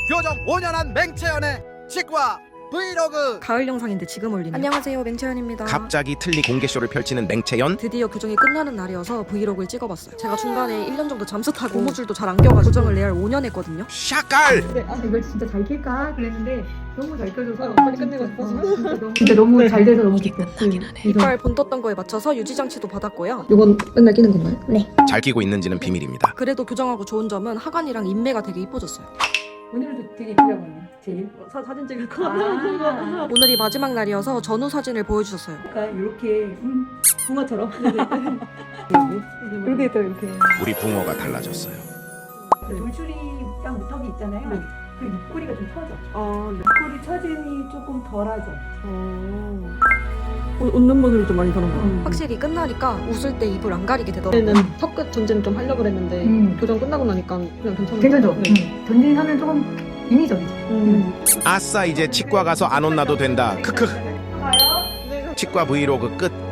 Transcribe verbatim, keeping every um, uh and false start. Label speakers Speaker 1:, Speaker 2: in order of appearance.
Speaker 1: 교정 오 년 한 맹채연의 치과 브이로그.
Speaker 2: 가을 영상인데 지금 올리네요. 안녕하세요, 맹채연입니다.
Speaker 3: 갑자기 틀니 공개쇼를 펼치는 맹채연.
Speaker 2: 드디어 교정이 끝나는 날이어서 브이로그를 찍어봤어요. 제가 중간에 일 년 정도 잠수 타고 고무줄도 잘 안 껴가지고 교정을 레알 오 년 했거든요.
Speaker 3: 샤깔.
Speaker 4: 근데 아 이걸 진짜 잘 낄까 그랬는데 너무 잘 껴줘서 빨리 끝내고 싶어서 진짜 너무, 진짜 너무 잘 돼서 너무 기뻐.
Speaker 2: 이빨 본 떴던 거에 맞춰서 유지장치도 받았고요.
Speaker 4: 이건 맨날 끼는 건가요? 네.
Speaker 3: 잘 끼고 있는지는 비밀입니다.
Speaker 2: 그래도 교정하고 좋은 점은 하관이랑 인매가 되게 이뻐졌어요.
Speaker 4: 오늘도 되게 이쁘다고 하네. 제일
Speaker 5: 사, 사진 찍을 거
Speaker 4: 아
Speaker 2: 오늘이 마지막 날이어서 전후 사진을 보여주셨어요.
Speaker 4: 약간 이렇게 음, 붕어처럼
Speaker 5: 이렇게 또 이렇게
Speaker 3: 우리 붕어가 달라졌어요.
Speaker 4: 돌출이랑 무턱이 있잖아요.
Speaker 5: 네.
Speaker 4: 그 입꼬리가 좀 처져.
Speaker 5: 아, 네.
Speaker 4: 입꼬리 처짐이 조금 덜하죠.
Speaker 5: 어... 우- 웃는 분들이 좀 많이 그런 거
Speaker 4: 음.
Speaker 2: 확실히 끝나니까 웃을 때 입을 안 가리게 되더라고요.
Speaker 5: 그때는 턱끝 전진 좀 하려고 그랬는데
Speaker 4: 음.
Speaker 5: 교정 끝나고 나니까 그냥 괜찮은
Speaker 4: 괜찮죠?
Speaker 5: 네.
Speaker 4: 음. 전진하면 조금 인위적이죠.
Speaker 5: 음.
Speaker 3: 아싸 이제 치과 가서 안 혼나도 된다. 크크. 치과 브이로그 끝.